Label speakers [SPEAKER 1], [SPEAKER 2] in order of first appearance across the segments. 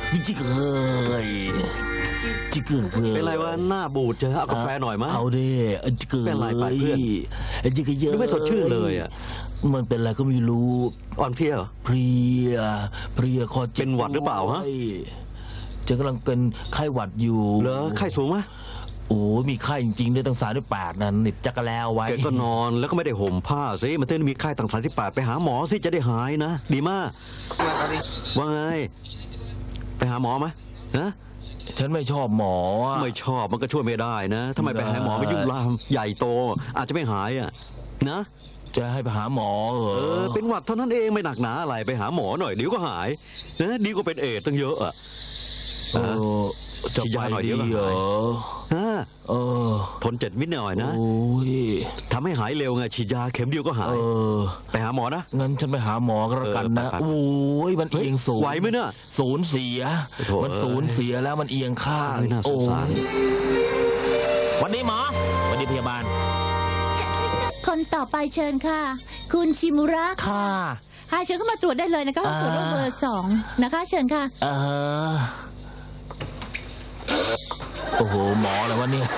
[SPEAKER 1] จิกเฮ้ยจิกเกอร์
[SPEAKER 2] เป็นไรวะหน้าบูดเจอเอากาแฟหน่อยมั้ย
[SPEAKER 1] เอาดิจิกเกอร์
[SPEAKER 2] เป็นไรไปเพื่อน
[SPEAKER 1] จิกเกอร์เยอะ
[SPEAKER 2] ไม่สดชื่นเลยอ่ะ
[SPEAKER 1] มันเป็นอะไรก็ไม่รู้
[SPEAKER 2] อ่อนเพลีย
[SPEAKER 1] เพลียคอเจ็บ
[SPEAKER 2] เป็นหวัดหรือเปล่าฮะ
[SPEAKER 1] จะกำลังเป็นไข้หวัดอยู่
[SPEAKER 2] เหรอไข้สูงไหม
[SPEAKER 1] โอ้มีไข้จริงๆด้วยตั้ง38นั่นหนิบจักรแล้วไว้
[SPEAKER 2] แกก็นอนแล้วก็ไม่ได้ห่มผ้าสิมันต้องมีไข้ตั้ง38ไปหาหมอสิจะได้หายนะดีมากว่าไงไปหาหมอไหมนะ
[SPEAKER 1] ฉันไม่ชอบหมอ
[SPEAKER 2] ไม่ชอบมันก็ช่วยไม่ได้นะทำไมไปหาหมอไม่ยุ่งลามใหญ่โตอาจจะไม่หายอ่ะนะ
[SPEAKER 1] จะให้ไปหาหมอ
[SPEAKER 2] เป็นหวัดเท่านั้นเองไม่หนักหนาอะไรไปหาหมอหน่อยเดี๋ยวก็หายนะดีกว่าเป็นเอดตั้งเยอะอ่ะ
[SPEAKER 1] จะไปหน่อยเดียวเหรอ
[SPEAKER 2] ทน7 วิหน่อยนะทำให้หายเร็วไงฉีดยาเข็มเดียวก็หายไปหาหมอนะ
[SPEAKER 1] งั้นฉันไปหาหมอก็แล้วกันนะโอ้ยมันเอียงสูง
[SPEAKER 2] ไหวไหมเนี่ย
[SPEAKER 1] สูญเสียมันสูญเสียแล้วมันเอียงข้าง
[SPEAKER 2] น่าสงสาร
[SPEAKER 1] วันนี้หมอวันนี้พยาบาล
[SPEAKER 3] คนต่อไปเชิญค่ะคุณชิมุระ
[SPEAKER 1] ค่ะ
[SPEAKER 3] เชิญเข้ามาตรวจได้เลยนะคะตรวจโรคเบอร์2นะคะเชิญค่ะ
[SPEAKER 1] โอ้โหหมออะไรวะเนี่ย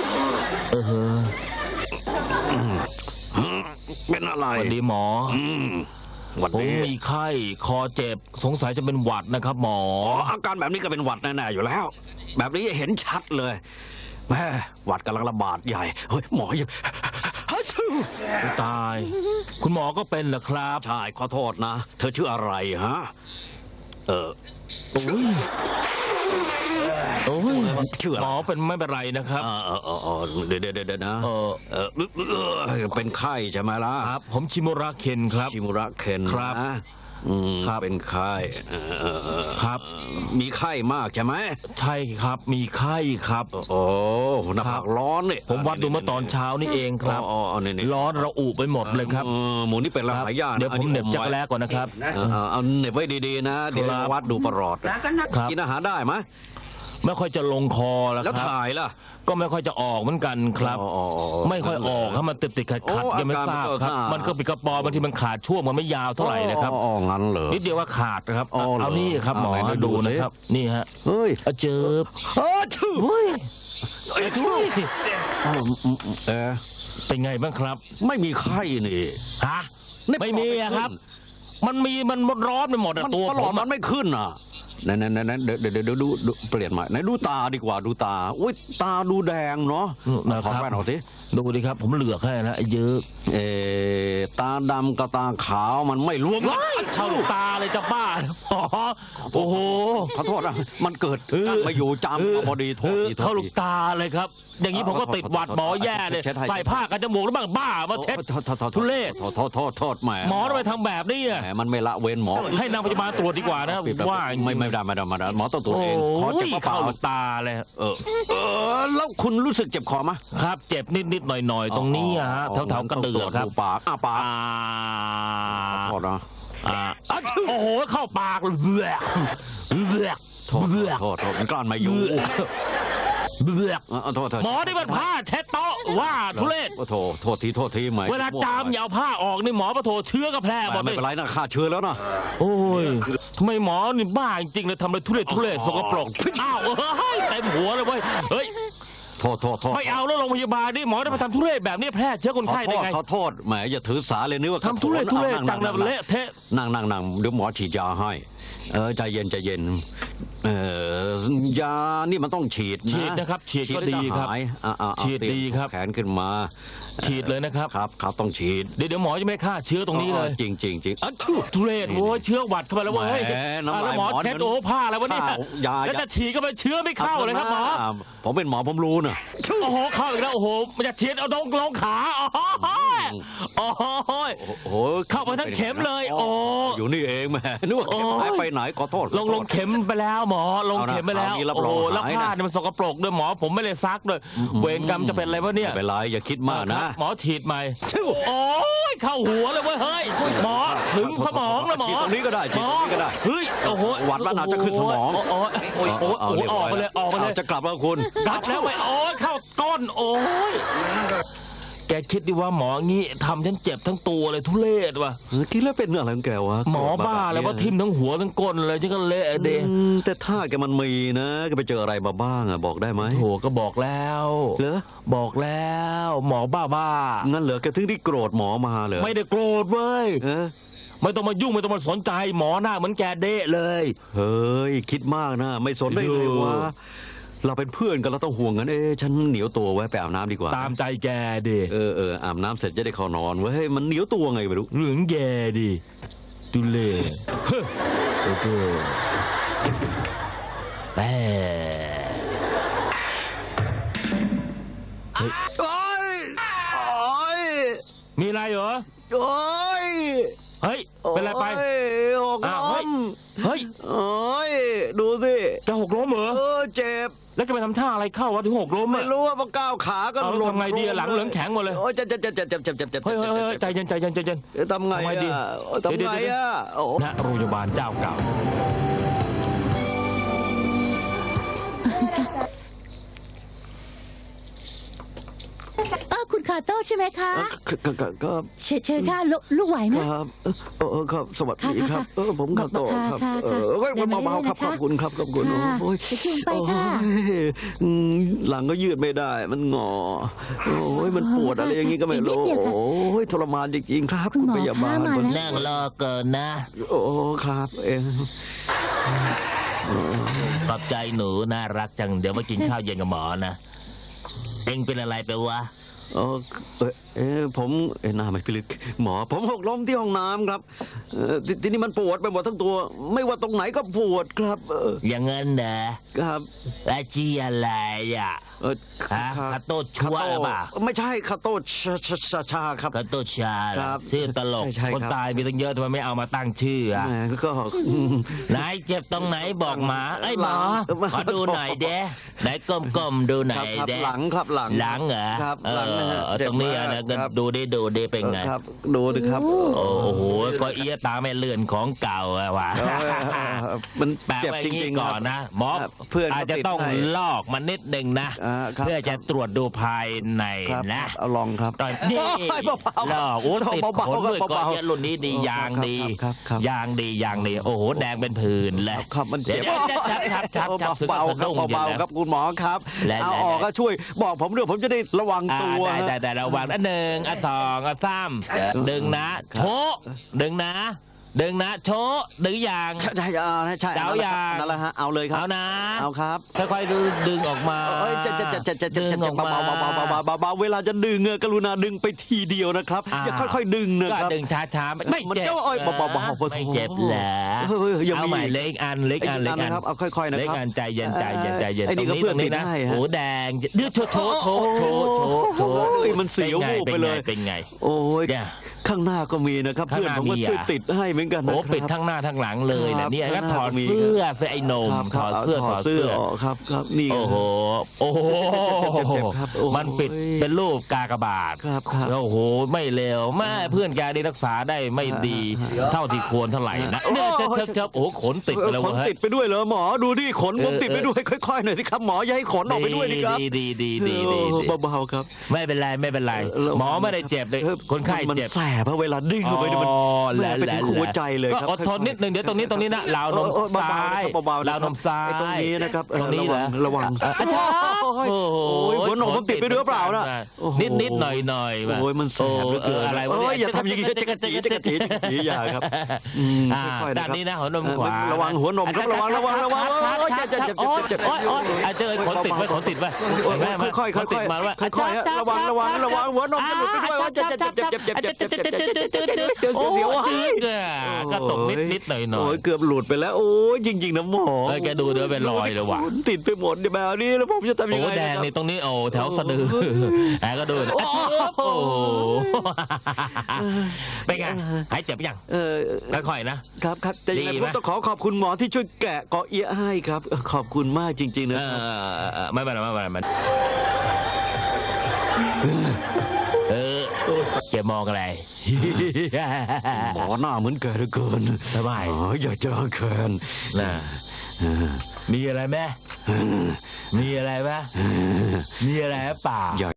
[SPEAKER 2] เป็นอะไร
[SPEAKER 1] วันนี้หมอผมมีไข้คอเจ็บสงสัยจะเป็นหวัดนะครับหมอ
[SPEAKER 2] อาการแบบนี้ก็เป็นหวัดแน่ๆอยู่แล้วแบบนี้เห็นชัดเลยแม่หวัดกำลังระบาดใหญ่เฮ้ยหมอยัง
[SPEAKER 1] ตายคุณหมอก็เป็นเหรอครับ
[SPEAKER 2] ใช่ขอโทษนะเธอชื่ออะไรฮะ
[SPEAKER 1] โอ้ยชื่อหมอเป็นไม่เป็นไรนะครับ
[SPEAKER 2] เดี๋ยวนะเป็นไข้ใช่ไหมล่ะ
[SPEAKER 1] ครับผมชิมุระเคนครับ
[SPEAKER 2] ชิมุระเคน
[SPEAKER 1] ครับ
[SPEAKER 2] เป็นไข้
[SPEAKER 1] ครับ
[SPEAKER 2] มีไข้มากใช่ไหม
[SPEAKER 1] ใช่ครับมีไข้ครับ
[SPEAKER 2] โอ้หน้าผากร้อนเนี่ย
[SPEAKER 1] ผมวัดดูเมื่อตอนเช้านี่เองครับร้อนระอุไปหมดเลยครับ
[SPEAKER 2] หมูนี่เป็นหลายอย่าง
[SPEAKER 1] เดี๋ยวผมเหน็บจักรแล้ก่อนนะครับ
[SPEAKER 2] เอาเหน็บไว้ดีๆนะเดี๋ยววัดดูประหลอดกินอาหารได้ไหม
[SPEAKER 1] ไม่ค่อยจะลงคอแล้วครับ
[SPEAKER 2] แล้วถ่ายล่ะ
[SPEAKER 1] ก็ไม่ค่อยจะออกเหมือนกันครับไม่ค่อยออกครับมันติดขัดยังไม่ทราบครับมันก็ปิดกระปอบางทีมันขาดช่วงมันไม่ยาวเท่าไหร่นะครับ
[SPEAKER 2] งั้นเหรอ
[SPEAKER 1] นิดเดียวว่าขาดนะครับเอานี่ครับหมอดูนะครับนี่ฮะ
[SPEAKER 2] เฮ้ย
[SPEAKER 1] เจิบ
[SPEAKER 2] ชื่อ
[SPEAKER 1] เป็นไงบ้างครับ
[SPEAKER 2] ไม่มีไข้นี่
[SPEAKER 1] ฮะไม่มีครับมันร้อนไปหมดตัว
[SPEAKER 2] ผมมันไม่ขึ้นอ่ะนั่นเดี๋ยวดูเปลี่ยนใหม่ไหนดูตาดีกว่าดูตาอุ้ยตาดูแดงเนาะ
[SPEAKER 1] ขอแว่นหน่อยสิดูดิครับผมเหลือกให้นะเยอะ
[SPEAKER 2] ตาดำกับตาขาวมันไม่รวม
[SPEAKER 1] เข้าตาเลยจะบ้าโอ้โห
[SPEAKER 2] ขอโทษนะมันเกิดมาอยู่จำพอดีโทษ
[SPEAKER 1] เข้าลูกตาเลยครับอย่างนี้ผมก็ติดหวัดหมอแย่เลยใส่ผ้ากันจมูกแล้วบ้างบ้ามาเช็ดทุเรศ
[SPEAKER 2] โทษแหม
[SPEAKER 1] หมอทำไมทำแบบนี้
[SPEAKER 2] มันไม่ละเว้นหมอ
[SPEAKER 1] ให้นางพยาบาลตรวจดีกว่านะว่า
[SPEAKER 2] ไม่ได้หมอต้องตรวจเอง
[SPEAKER 1] ขอเจ็บเข้าตาเลย
[SPEAKER 2] แล้วคุณรู้สึกเจ็บคอไหม
[SPEAKER 1] ครับเจ็บนิดหน่อยตรงนี้ฮะแถวกระเดือกครับ
[SPEAKER 2] ปากปากโทษนะ
[SPEAKER 1] โอ้โหเข้าปากเบือก
[SPEAKER 2] โทษมันกลั้นมาอยู่
[SPEAKER 1] หมอที่มันผ้าเช็ดโต๊ะว่าทุเรศ
[SPEAKER 2] โทษทีไหม
[SPEAKER 1] เวลาจามอย่าเอาผ้าออกนี่หมอมาโทษเชื้อกระแพร่หมด
[SPEAKER 2] ไม่เป็นไรนะฆ่าเชื้อแล้วนะ
[SPEAKER 1] โอ้ยทำไมหมอนี่บ้าจริงเลยทำอะไรทุเรศสกปรกอ้าวเต็มหัวเลยเว้ยเฮ้ย
[SPEAKER 2] โทษ
[SPEAKER 1] ไม่เอาแล้วโรงพยาบาลนี่หมอได้มาทำทุเรศแบบนี้แพร่เชื้อคนไข้ได้ไง
[SPEAKER 2] ขอโทษแหมอย่าถือสาเลยนึกว่า
[SPEAKER 1] ทำทุเรศจังเลยเละเทะ
[SPEAKER 2] นั่งเดี๋ยวหมอฉีดยาให้ใจเย็นยานี่มันต้องฉีด
[SPEAKER 1] นะครับฉีดก็ดีครับฉีดดีครับ
[SPEAKER 2] แขนขึ้นมา
[SPEAKER 1] ฉีดเลยนะครับ
[SPEAKER 2] ครับต้องฉีด
[SPEAKER 1] เดี๋ยวหมอจะไม่ฆ่าเชื้อตรงนี้เลย
[SPEAKER 2] จริง
[SPEAKER 1] ทุเรศโว้ยเชื้อหวัดเข้าไปแล้วเว้ยแล้วหมอเช็ดโอ้ผ้าอะไรวะเนี่ยแล้วจะฉีดก็ไปเชื้อไม่เข้าเลยครับหมอ
[SPEAKER 2] ผมเป็นหมอผมรู้นะ
[SPEAKER 1] โอ้โหเข้าอีกแล้วโอ้โหมันจะฉีดเอาตรงลงขาโอ้โหเข้าไปทั้งเข็มเลยโอ้
[SPEAKER 2] อยู่นี่เองแม่นึกว่าเข็มหายไปไหนขอโทษ
[SPEAKER 1] ลงเข็มไปแล้วหมอลงเข็มไปแล้วโอ้โหแล้วผ้าเนี่ยมันสกปรกด้วยหมอผมไม่ได้ซักด้วยเวรกรรมจะเป็นอะไรวะเนี่ย
[SPEAKER 2] ไม่เป็นไรอย่าคิดมากนะ
[SPEAKER 1] หมอฉีดใหม่โอ้ยเข้าหัวเลยเว้ยเฮ้ยหมอถึงสมองแล้วหมอ
[SPEAKER 2] ฉีดตรงนี้ก็ได้ฉีดตรงนี้ก็ได้
[SPEAKER 1] เฮ้ยโอ้โห
[SPEAKER 2] หวัดแล้วน่าจะขึ้นสมอง
[SPEAKER 1] โอ้ยออกไปเลย
[SPEAKER 2] จะกลับแล้วคุณ
[SPEAKER 1] กลับแล้วไปโอ้ยเข้าก้นโอ้ยแกคิดดิว่าหมองี้ทำฉันเจ็บทั้งตัวเลยทุเรศว่ะ
[SPEAKER 2] คิดแล้วเป็นอะไรของแกวะ
[SPEAKER 1] หมอบ้าแล้วว่าทิ่มทั้งหัวทั้งก้นเลยฉันก็เละเด
[SPEAKER 2] แต่ถ้าแกมันมีนะแกไปเจออะไรมาบ้างอะบอกได้ไหม
[SPEAKER 1] โถก็บอกแล้ว
[SPEAKER 2] เหรอ
[SPEAKER 1] บอกแล้ว หมอบ้า
[SPEAKER 2] งั้นเหรอแกถึงได้โกรธหมอมาเหรอ
[SPEAKER 1] ไม่ได้โกรธเว้ย
[SPEAKER 2] เออ
[SPEAKER 1] ไม่ต้องมายุ่งไม่ต้องมาสนใจหมอหน้าเหมือนแกเดะเลย
[SPEAKER 2] เฮ้ยคิดมากนะไม่สนได้เลยวะเราเป็นเพื่อนกันเราต้องห่วงกันฉันเหนียวตัวไว้ไปอาบน้ำดีกว่า
[SPEAKER 1] ตามใจแกดิ
[SPEAKER 2] อาบน้ำเสร็จจะได้เข้านอนเว้ยมันเหนียวตัวไงไม่รู้
[SPEAKER 1] เหลืองแกดิตุเล่เฮ้อโอ้โหแหมเฮ้ย
[SPEAKER 2] โอ้ยโอ้ย
[SPEAKER 1] มีอะไรเหรอ
[SPEAKER 2] โอ้ย
[SPEAKER 1] เฮ้ย เป็นไรไป
[SPEAKER 2] โอ้ย
[SPEAKER 1] อ้าว
[SPEAKER 2] ห
[SPEAKER 1] เฮ้
[SPEAKER 2] ก
[SPEAKER 1] ย
[SPEAKER 2] ล้ม
[SPEAKER 1] เฮ้ย
[SPEAKER 2] โอ้ยดูสิ
[SPEAKER 1] จะหกล้มเหรอ
[SPEAKER 2] เจ็บ
[SPEAKER 1] แล้วจะไปทำท่าอะไรเข้าวะถึงหกล้ม
[SPEAKER 2] ไม่
[SPEAKER 1] อะ
[SPEAKER 2] รู้ว่าพอก้าวขาก็
[SPEAKER 1] เอาแล้วทำไงดีอะหลังเหลืองแข็งหมดเลย
[SPEAKER 2] โอ้ยเจ็บ
[SPEAKER 1] เฮ้ยใจเย็นใจเย็นใจเย็น
[SPEAKER 2] ทำไง
[SPEAKER 1] ทำไงดี
[SPEAKER 2] อะทำไงอะโอ้
[SPEAKER 1] ณโรงพยาบาลเจ้าเก่า
[SPEAKER 3] คุณคาโต้ใช่ไหมคะ
[SPEAKER 2] ก็
[SPEAKER 3] เชิญค่ะลูกไหวไหม
[SPEAKER 2] ครับครับสวัสดีครับ
[SPEAKER 3] ค่ะ
[SPEAKER 2] ผมคาโต้ครับ
[SPEAKER 3] ค่ะ
[SPEAKER 2] เบาๆครับ
[SPEAKER 3] เดิ
[SPEAKER 2] ข
[SPEAKER 3] น
[SPEAKER 2] อบ
[SPEAKER 3] มา
[SPEAKER 2] คุณครับขอบคุณ
[SPEAKER 3] ค่ะ
[SPEAKER 2] โอ้ย
[SPEAKER 3] จะชูไปค่ะ
[SPEAKER 2] โอ้ยหลังก็ยืดไม่ได้มันงอโอ้ยมันปวดอะไรอย่างนี้ก็ไม่รู้
[SPEAKER 3] อีกนิดเดียวค่ะ
[SPEAKER 2] โอ้ยทรมานจริงๆครับ
[SPEAKER 3] คุณหมอ
[SPEAKER 2] พยาบาล
[SPEAKER 3] คะมาแล้ว
[SPEAKER 1] นั่งรอเกินนะ
[SPEAKER 2] โอ้ครับ
[SPEAKER 1] ขอบใจหนูน่ารักจังเดี๋ยวมากินข้าวเย็นกับหมอนะเอ็งเป็นอะไรไปวะ
[SPEAKER 2] ผมหน้าไม่พิลึกหมอผมหกล้มที่ห้องน้ำครับทีนี้มันปวดไปหมดทั้งตัว ไม่ว่าตรงไหนก็ปวดครับ
[SPEAKER 1] อย่างเงินนะครับ อาชีพอะไรอ่ะฮะคาโต้ชัวร์หรือเปล่า
[SPEAKER 2] ไม่ใช่คาโต้ชาครับ
[SPEAKER 1] คาโต้ชาเหรอ
[SPEAKER 2] ครับ
[SPEAKER 1] ชื่อตลก
[SPEAKER 2] ใช่ครับ
[SPEAKER 1] คนตายมีตั้งเยอะทำไมไม่เอามาตั้งชื่ออ่ะ
[SPEAKER 2] แหมก็
[SPEAKER 1] ไหนเจ็บตรงไหนบอกหมาเอ้ยหมอ
[SPEAKER 2] หลัง
[SPEAKER 1] ขอดูหน่อยเด้ไหนก้มๆดูหน่อย
[SPEAKER 2] ครับ
[SPEAKER 1] เด้
[SPEAKER 2] หลังครับหลัง
[SPEAKER 1] หลังเหรอ
[SPEAKER 2] ครับหลังนะฮะ
[SPEAKER 1] ตรงนี้อ่ะนะก็
[SPEAKER 2] ครับ
[SPEAKER 1] ดูดิเป็นไง
[SPEAKER 2] ครับดูดิครับ
[SPEAKER 1] โอ้โหก็เอียตาไม่เลื่อนของเก่าอะว่ะ
[SPEAKER 2] มัน
[SPEAKER 1] แปะ
[SPEAKER 2] เจ็บ
[SPEAKER 1] ไว้
[SPEAKER 2] จ
[SPEAKER 1] งี้
[SPEAKER 2] ริงๆ
[SPEAKER 1] ก่อนนะหมอ
[SPEAKER 2] ครับเพื่อน
[SPEAKER 1] อาจจะต้อง
[SPEAKER 2] เขาติดให้
[SPEAKER 1] ลอกมันนิดหนึ่งนะ
[SPEAKER 2] ครับ
[SPEAKER 1] เพื่อจะตรวจดูภายใน
[SPEAKER 2] ครับ
[SPEAKER 1] นะ
[SPEAKER 2] เอาลองครับ
[SPEAKER 1] ตอนนี้
[SPEAKER 2] โอ้ยเบาๆ
[SPEAKER 1] ลอกโอ้ติด
[SPEAKER 2] เบาๆ
[SPEAKER 1] ขนด้วย
[SPEAKER 2] เบาๆ
[SPEAKER 1] ก้อนเยอะรุ่นนี้ดี
[SPEAKER 2] โอ้
[SPEAKER 1] ยางดี
[SPEAKER 2] ครับ
[SPEAKER 1] ยางดีโอ้โหแดงเป็นผื่นเลย
[SPEAKER 2] ครับมันเจ็บ
[SPEAKER 1] เดี๋ยวชับ
[SPEAKER 2] เบาๆครับเบาๆครับคุณหมอครับ
[SPEAKER 1] และ
[SPEAKER 2] เอาออกก็ช่วยบอกผมด้วยผมจะได้ระวังตัว
[SPEAKER 1] ได้ระวังอันหนึ่งอันสองอันสามดึงนะโชะดึงนะโชะดึงอย่าง
[SPEAKER 2] ใช่ใช่
[SPEAKER 1] เจ้าอย่าง
[SPEAKER 2] นั่นแหละฮะเอาเลยครับ
[SPEAKER 1] เอานะ
[SPEAKER 2] เอาครับ
[SPEAKER 1] ค่อยๆดึงออกมา
[SPEAKER 2] เอ้ยจะ
[SPEAKER 1] ดึงออกมา
[SPEAKER 2] เบาๆเวลาจะดึงกรุณาดึงไปทีเดียวนะครับอย่าค่อยๆดึงนะ
[SPEAKER 1] ก็
[SPEAKER 2] ครับ
[SPEAKER 1] ดึงช้าๆไม่
[SPEAKER 2] มัน
[SPEAKER 1] เจ็บ
[SPEAKER 2] เจ้าอ้อยเบาๆ
[SPEAKER 1] ไม่เจ็บเหรอ
[SPEAKER 2] ยัง
[SPEAKER 1] เอาใหม่
[SPEAKER 2] มี
[SPEAKER 1] เล็กอันเล็กอัน
[SPEAKER 2] นะครับเอาค่อยๆนะ
[SPEAKER 1] เล็ก
[SPEAKER 2] ครับ
[SPEAKER 1] อันใจเย็นต
[SPEAKER 2] ไอ้
[SPEAKER 1] ร
[SPEAKER 2] นี่
[SPEAKER 1] ง
[SPEAKER 2] ก็
[SPEAKER 1] นี้
[SPEAKER 2] เพื่
[SPEAKER 1] ต
[SPEAKER 2] อน
[SPEAKER 1] รงนี้นะ
[SPEAKER 2] ติดให้ฮะ
[SPEAKER 1] หูแดงดื้อโชว์
[SPEAKER 2] มันเสียววูบไปเลย
[SPEAKER 1] เป็นไง
[SPEAKER 2] โอ้ย
[SPEAKER 1] เนี่ย
[SPEAKER 2] ข้างหน้าก็มีนะครับ
[SPEAKER 1] ข้าง
[SPEAKER 2] เพื่อน
[SPEAKER 1] หน้า
[SPEAKER 2] ผมก็
[SPEAKER 1] มี
[SPEAKER 2] ช่วย
[SPEAKER 1] อ่ะ
[SPEAKER 2] ติดให้เหมือนกันนะ
[SPEAKER 1] โอ้
[SPEAKER 2] ครับ
[SPEAKER 1] ปิดทั้งหน้าทั้งหลังเลยนะเนี่ย
[SPEAKER 2] ครับ
[SPEAKER 1] แล้วถอด
[SPEAKER 2] ข้างหน้าก็มี
[SPEAKER 1] เสื้อไอ้หนม
[SPEAKER 2] ครับ
[SPEAKER 1] ถอดเสื้อ
[SPEAKER 2] ถอดเสื้อออกครับนี่
[SPEAKER 1] โอ้โห
[SPEAKER 2] เจ็บครับโอ้ย
[SPEAKER 1] มันปิดเป็นรูปกากบาท
[SPEAKER 2] ครับ
[SPEAKER 1] โอ้โหไม่เลวแม่เพื่อนแกนี่รักษาได้ไม่ดี เท่าที่ควรเท่าไหร่นะเนี่ยเชิบโอ้โหขนติดไปแล้ว
[SPEAKER 2] ขน
[SPEAKER 1] เฮ้ย
[SPEAKER 2] ติดไปด้วยเหรอหมอดูดิขนผมติดไปด้วยค่อยๆหน่อยสิครับหมออย่าให้ขนออกไปด้วยดิครับ
[SPEAKER 1] ดี
[SPEAKER 2] เบาๆครับ
[SPEAKER 1] ไม่เป็นไรหมอไม่ได้เจ็บเลยคนไข้
[SPEAKER 2] มัน
[SPEAKER 1] เจ็บ
[SPEAKER 2] แสบเพราะเวลาดึงเข้าไปเนี่ยมัน แหละไปถึงหัวใจเลยครับ
[SPEAKER 1] ก็อดทนนิดนึงเดี๋ยวตรงนี้นะราวนมซ้าย
[SPEAKER 2] เบาๆ
[SPEAKER 1] ราวนมซ้าย
[SPEAKER 2] ไอ้ตรงนี้นะครับ
[SPEAKER 1] ตรงนี้เหรอ
[SPEAKER 2] ระวัง
[SPEAKER 1] อาจารย์
[SPEAKER 2] โอ้ยหัวนมผมติดไปด้วยเปล่านะโอ้โห
[SPEAKER 1] นิดหน่อยว่ะ
[SPEAKER 2] โอ้ยมันแสบเหลือเกิน
[SPEAKER 1] อะไรวะ
[SPEAKER 2] โอ้ยอย่าทำอย่างนี้
[SPEAKER 1] นี้
[SPEAKER 2] จะกระจีอย่าครับค่อยๆ
[SPEAKER 1] ด้านนี้นะหัวนมขวา
[SPEAKER 2] ระวังหัวนมครับระวังโอ้ยเจ็บ
[SPEAKER 1] โอ๊ยเจอขนติดไว้ขนติดไว้
[SPEAKER 2] ค่อยๆ
[SPEAKER 1] ติดมาว่า
[SPEAKER 2] ค่อยๆระวังหัวนมจะหลุดไปด้วยว่าเจ็บเสียว
[SPEAKER 1] ก็ตกนิดหน่อย
[SPEAKER 2] โอ้ยเกือบหลุดไปแล้วโอ้ยจริงๆนะหมอ
[SPEAKER 1] แกดูเดี๋ยวเป็นรอยเลยว่ะ
[SPEAKER 2] ติดไปหมดแบบนี้แล้วผมจะทำยัง
[SPEAKER 1] โอ้
[SPEAKER 2] ไง
[SPEAKER 1] แดงนี่ตรงนี้โอ้แถวสะดือแอบก็ดูโอ้โหเป็นไงหายเจ็บยังค่อยๆนะครับ
[SPEAKER 2] แต่ยังไงผมต้องขอบคุณหมอที่ช่วยแกะเกาะเอี้ยให้ครับขอบคุณมากจริงๆนะ
[SPEAKER 1] ไม่เป็นไรแกมองอะไร
[SPEAKER 2] หมอหน้าเหมือนแกเหลือเกิน
[SPEAKER 1] ทำไม
[SPEAKER 2] อยากจะแคน
[SPEAKER 1] น่ะมีอะไรไหมมีอะไรไหมมีอะไรเปล่า